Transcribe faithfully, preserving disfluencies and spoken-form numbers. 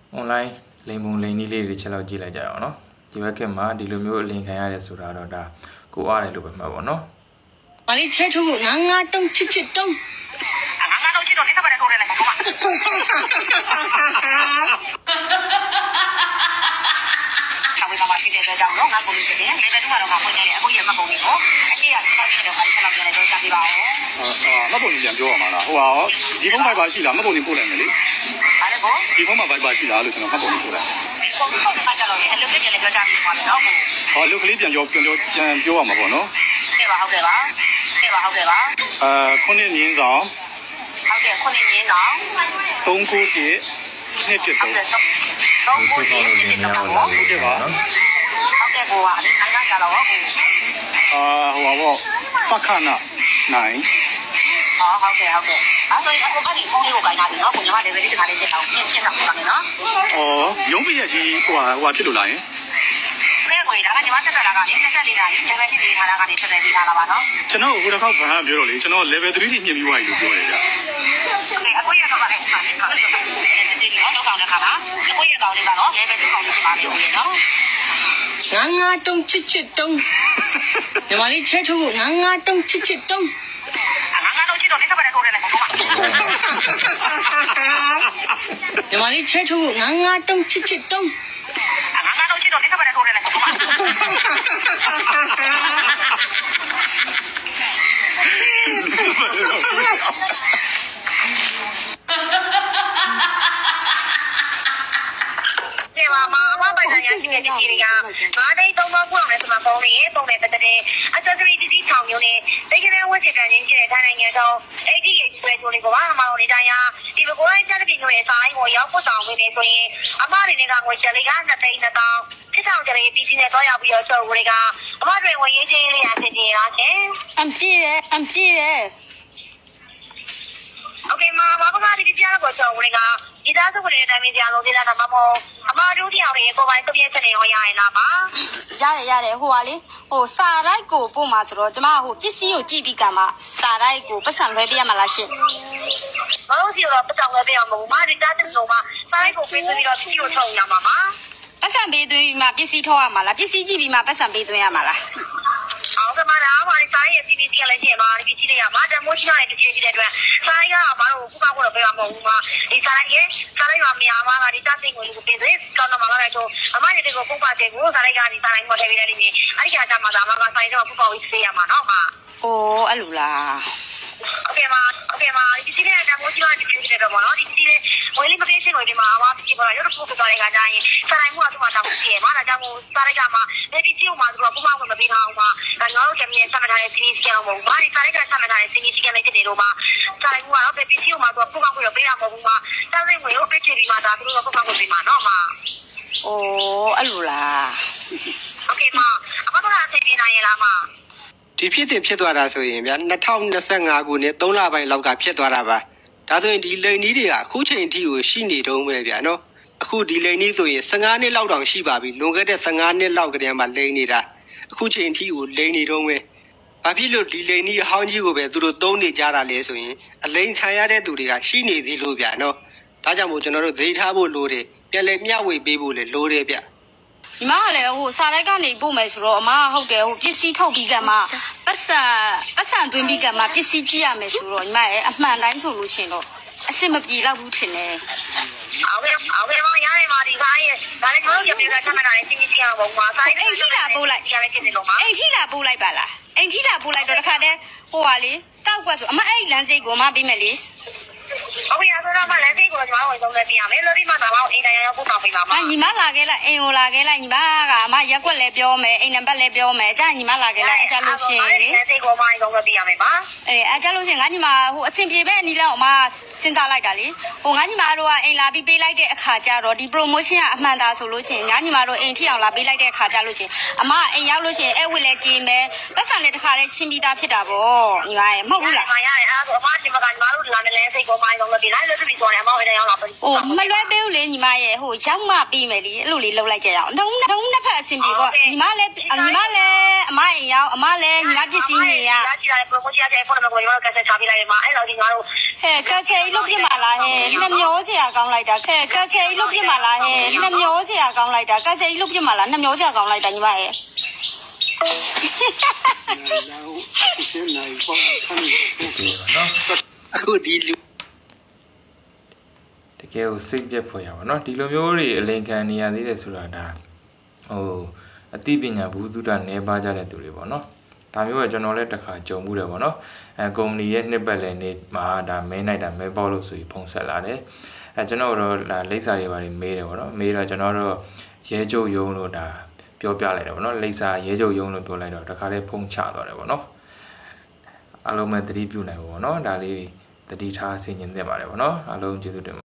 online လိမ်ပုံလိမ်နည်းလေးတွေချက်လောက်ကြည့်လိုက်ကြရအောင်နော်ဒီဘက်ကမှာဒီလိုမျိုးအလင်ခံရတယ်ဆိုတာတော့ဒါကိုအားတယ်လို့ပဲမှတ်ပါနော်ဘာလေးချဲထုတ်ငါငါတုံးချစ်ချစ်တုံးငါငါတော့ချစ်တော့နေသဘာနဲ့ထိုးတယ်လေကောမဝေးမှာဖြစ်တဲ့အတွက်ကြောင့်တော့ငါပုံလေးတင်တယ်လေပဲတူကတော့ငါပုံနေတယ်အခုရမှတ်ပုံလေးကိုအရှိရဆက်ပြီးတော့ငါဆက်လောက်ပြန်လဲတော့ကြားပြပါဦးအာမှတ်ပုံလေးပြန်ပြောရမှာလားဟိုဟာဒီဖုန်း Viber ရှိလားမှတ်ပုံလေးပို့လိုက်မယ်လေဟာလေကိုဒီဖုန်းမှာ Viber ရှိလားလို့ကျွန်တော်မှတ်ပုံလေးပို့လိုက်ပုံပုံမှာကြတော့လေအလုပ်ပြန်လဲပြောကြားပြပါမယ်နော်ဟောလုတ်ကလေးပြန်ပြောပြန်ပြောပြန်ပြောရမှာပေါ့နော်ကဲပါဟုတ်ကဲ့ပါကဲပါဟုတ်ကဲ့ပါအာခုနှစ်ငင်းဆောင်ဟုတ်ကဲ့ခုနှစ်ငင်းဆောင်သုံးခုပြည့်နှစ်တစ်သုံးသုံးခုပြည့်နှစ်တစ်သုံးဟုတ်ကဲ့ပါဟုတ်ကဲ့ကိုပါဒီခန်းကကြတော့ဟုတ်အာဟိုပါပေါ့ပက္ခနာနိုင်အော်ဟုတ်ကဲ့ဟုတ်ကဲ့အဲ့ဆိုရင်အခုဖတ်ပြီးဖုန်းလေးကိုခိုင်းတာပြီနော်ကိုညီမတွေပဲဒီတခါလေးချက်အောင်ရှင်းရှင်းဆောင်ပါမယ်နော်အော်ရုံးပြည့်ကြီးဟိုဟာဟိုဖြစ်လို့လားယင်ကဲကိုဒါကညီမတက်တာကလည်းတက်တက်နေတာလေ7ဖြစ်နေတာကနေတက်တက်နေတာပါနော်ကျွန်တော်ဟိုတစ်ခေါက်ဘာမှပြောတော့လေကျွန်တော် level 3ထိမြင့်ပြီးသွားပြီလို့ပြောတယ်ဗျာအခုရတော့လည်းဆက်နေတာဒီတော့တော့ကောင်းတဲ့ခါမှာအခုရတော့လေးကတော့ level 2ကောင်းလေးဖြစ်ပါလိမ့်မယ်နော်ငါငါတုံးချစ်ချစ်တုံးညီမလေးချဲထုတ်ငါငါတုံးချစ်ချစ်တုံးငါငါတော့ချစ်တော့နေသဘာနဲ့ထိုးတယ်လေကောညီမလေးချဲထုတ်ငါငါတုံးချစ်ချစ်တုံးငါငါတော့ချစ်တော့နေသဘာနဲ့ထိုးတယ်လေကောမာမပိုင်ဆိုင်ရရှိတဲ့ဒီကြီးတွေကငါးသိန်းသုံးသောင်းပို့အောင်လဲဆိုမှပုံလေးပုံနဲ့တက်တဲ့ accessory ဒီဒီထောင်မျိုးနဲ့တိတ်ကလေးဝတ်ချင်တဲ့ရင်းကြီးတဲ့ထိုင်းနိုင်ငံတော့အဲ့ဒီရဲ့ဆွဲချိုးလေးကိုပါအမအောင်နေတိုင်းဟာဒီဘကိုင်းချက်တဲ့မျိုးရဲ့ဆိုင်ကိုရောက်ဖို့တောင်းဝင်နေဆိုရင်အမတွေနဲ့ကငွေချက်လေးကနှစ်သိန်းနှစ်သောင်းဖြစ်ဆောင်ကြတဲ့ပြည်စည်းနဲ့တော့ရောက်ပြီးတော့ချုပ်ဝေးကအမတွေဝင်ရေးချင်းလေးရဆင်ပြေလားရှင်အမ်ကြည့်ရအမ်ကြည့်ရโอเคมาဘာကဒီကြားတော့ချုပ်ဝေးကဒီသားစုတွေတိုင်းကြားလုံးသေးတာမှမဟုတ်အမတို့တယောက်ရဲ့ကိုပိုင်သူပြည့်ချက်နေရောရရင်လားပါရတယ်ရတယ်ဟိုပါလေဟိုစာရိုက်ကိုပို့မှာဆိုတော့ကျမဟိုပစ္စည်းကိုကြည့်ပြီးကမှစာရိုက်ကိုပတ်စံလွှဲပေးရမှာလားရှင်မဟုတ်စီတော့ပတ်စံလွှဲပေးရမှာမဟုတ်ပါဒီသားစုလုံးမှာစာရိုက်ကိုပေးပြီးတော့ပစ္စည်းကိုထုတ်ရမှာပါပတ်စံပေးသွင်းပြီးမှပစ္စည်းထုတ်ရမှာလားပစ္စည်းကြည့်ပြီးမှပတ်စံပေးသွင်းရမှာလားအော်ကမလာပါဒီစာရိုက်ရဲ့ စီ ဗီ စီ လည်းရှင်းပါဒီပစ္စည်းတွေကမာတမိုးရှိတဲ့တကယ်ကြီးတဲ့အတွက်စာရိုက်ကမတို့ခုကောက်ကိုတော့ပေးရမှာမဟုတ်ဘူးမှာဒီစာရိုက်ရဲ့စာရိုက်မှာများမှာကဒီသားစုကိုကိုပေးသေးကောင်းတော့မှာလည်းတော့အမရဲ့တွေကိုပုံပါတဲ့ကိုစာရိုက်ကဒီစာရိုက်မှာထည့်ပေးတယ်ဒီနေ့အဲ့ဒီကကြမှာဒါမှကစာရိုက်တော့ပူပေါပြီးစေးရမှာနော်မှာအိုးအဲ့လိုလားโอเคมาโอเคมาဒီစီးတဲ့တမိုးကြီးကဒီပြည့်တဲ့တော့မနော်ဒီစီးတဲ့ဝယ်လေးမပေးချင်းကိုဒီမှာအမပြပေါ်ရတော့ပို့ပြသွားတဲ့ခါကျရင်စာရိုက်မှုကသူ့မှာတောင်းပြည့်မှာဒါကြောင့်မို့စာရိုက်ကမှာဒီပစ္စည်းကိုမှသူကပုံမှန်ဝင်မပေးထားအောင်မှာဒါငါတို့ကမြေဆက်မထားတဲ့စီးစီးကတော့မဟုတ်ဘူး။ဘာဒီစာရိုက်ကဆက်မထားတဲ့စီးစီးကလည်းဖြစ်နေလို့မှာစာရိုက်မှုကတော့ဒီပစ္စည်းကိုမှသူကပုံမှန်ဝင်ပေးရမှာမဟုတ်ဘူးမှာတောင်းစိတ်ဝင်ကိုပေးချင်ပြီးမှဒါသူတို့ကပုံမှန်ဝင်ပေးမှာနော်မှာအိုးအဲ့လိုလားโอเคมาအမတို့ကအသိပေးနိုင်ရလားမှာဒီဖြစ်တင်ဖြစ်သွားတာဆိုရင်ဗျာ၂၀၂၅ခုနှစ်သုံးလပိုင်းလောက်ကဖြစ်သွားတာပါဒါဆိုရင်ဒီလိန်နီးတွေကအခုချိန်အထိကိုရှိနေတုံးပဲဗျာနော်အခုဒီလိန်နီးဆိုရင်၁၅နှစ်လောက်တောင်ရှိပါပြီလွန်ခဲ့တဲ့၁၅နှစ်လောက်ကတည်းကမှလိန်နေတာအခုချိန်အထိကိုလိန်နေတုံးပဲဘာဖြစ်လို့ဒီလိန်နီးအဟောင်းကြီးကိုပဲသူတို့သုံးနေကြတာလဲဆိုရင်အလိန်ခံရတဲ့သူတွေကရှိနေသေးလို့ဗျာနော်ဒါကြောင့်မို့ကျွန်တော်တို့ဒိထားဖို့လိုတယ်ပြန်လဲမျှဝေပေးဖို့လည်းလိုတယ်ဗျညီမကလည်းဟိုစာရိုက်ကနေပို့မယ်ဆိုတော့အမဟုတ်တယ်ဟိုပစ္စည်းထုတ်ပြီးကမှပတ်စံပတ်စံသွင်းပြီးကမှပစ္စည်းကြည့်ရမယ်ဆိုတော့ညီမရဲ့အမှန်တိုင်းဆိုလို့ရှင်တော့အစ်စ်မပြေတော့ဘူးထင်တယ်အော်ကဲအော်ကဲမရရင်မာဒီခိုင်းရဲ့ဒါလည်းကျွန်တော်တို့ပြည်ကဆက်မတာနဲ့စီးစီးအောင်ပါဆိုင်အိမ်ထိလာပို့လိုက်ရမယ်ဖြစ်နေလို့မှာအိမ်ထိလာပို့လိုက်ပါလားအိမ်ထိလာပို့လိုက်တော့တခါတည်းဟိုပါလေတောက်ကွက်ဆိုအမအဲ့လမ်းစိတ်ကိုအမပေးမယ်လေဟုတ်ပြီဆိုတော့မလမ်းစိတ်ကိုကျွန်တော်ဝင်ဆုံးလက်ပြရမယ်လို့ဒီမှာတော့အိမ်တိုင်းရောက်ပို့ဆောင်ပေးပါမှာညီမလာခဲ့လိုက်အိမ်ကိုလာခဲ့လိုက်ညီမကအမရက်ွက်လည်းပြောမယ်အိမ်နံပါတ်လည်းပြောမယ်အကြညီမလာခဲ့လိုက်အကြလို့ရှိရင်လေလမ်းစိတ်ကိုအမဝင်ဆုံးလက်ပြရမယ်ပါအေးအကြလို့ရှိရင်ငါညီမဟိုအဆင်ပြေပဲအနီးလောက်အမစဉ်းစားလိုက်တာလေဟိုငါညီမတို့ကအိမ်လာပြီးပေးလိုက်တဲ့အခါကျတော့ဒီ promotion ကအမှန်သားဆိုလို့ရှိရင်ငါညီမတို့အိမ်ထိအောင်လာပေးလိုက်တဲ့အခါကျလို့ရှိရင်အမအိမ်ရောက်လို့ရှိရင်အဲ့ဝစ်လည်းကြည်မယ်ပတ်စံလည်းတစ်ခါလည်းရှင်းပြီးသားဖြစ်တာပေါ့ညီမရဲ့မဟုတ်ဘူးလားမရရင်အဲ့ဒါအမဒီမှာကညီမတို့လာတဲ့လမ်းစိတ်ကိုအမဝင်ဆုံးလက်ပြလိုက်လို့ဒီဆိုရင်အမဝင်တိုင်းရောက်လာပြီဟိုမလွဲပေးဘူးလေညီမရဲ့ဟိုဟိုရောက်မှပြီးမယ်လေအဲ့လိုလေးလှုပ်လိုက်ကြရအောင်တုံးတုံးနှစ်ဖက်အဆင်ပြေပေါ့ညီမလည်းညီမလည်းအမအိမ်ရောက်အမလည်းညီမပစ္စည်းနေရဒါကြည့်ရတယ် promotion ရဲ့ဖုန်းနံပါတ်ကိုညီမတို့ကက်ဆက်ချပေးလိုက်တယ်မှာအဲ့တော့ဒီငါတို့ဟဲ့ကက်ဆယ်ကြီးလုတ်ပြမလားဟဲ့နှမျောစရာကောင်းလိုက်တာဟဲ့ကက်ဆယ်ကြီးလုတ်ပြမလားဟဲ့နှမျောစရာကောင်းလိုက်တာကက်ဆယ်ကြီးလုတ်ပြမလားနှမျောစရာကောင်းလိုက်တာညီမရဲ့ဒီပါနော်အခုဒီလူတကယ်ကိုစိတ်ပြက်ဖွယ်ရပါတော့ဒီလိုမျိုးတွေအလင်ခံနေရသေးတယ်ဆိုတာဒါဟိုအသိပညာဘူးတုဒ္ဒနေပါကြတဲ့သူတွေပေါ့နော်ဒါမျိုးကကျွန်တော်လည်းတစ်ခါကြုံမှုတယ်ပေါ့နော်အဲကုမ္ပဏီရဲ့နှစ်ပတ်လည်နေ့မှာဒါမဲနိုင်တာမဲပေါက်လို့ဆိုပြီးဖုန်းဆက်လာတယ်အဲကျွန်တော်တို့ဒါလိပ်စာတွေပါတယ်မေးတယ်ပေါ့နော်မေးတော့ကျွန်တော်တို့ရဲကျုပ်ယုံလို့ဒါပြောပြလိုက်တယ်ပေါ့နော်လိပ်စာရဲကျုပ်ယုံလို့ပြောလိုက်တော့တခါလေးဖုန်းချသွားတယ်ပေါ့နော်အားလုံးပဲသတိပြုနိုင်ပါပေါ့နော်ဒါလေးသတိထားဆင်ခြင်သင့်ပါတယ်ပေါ့နော်အားလုံးကျေးဇူးတင်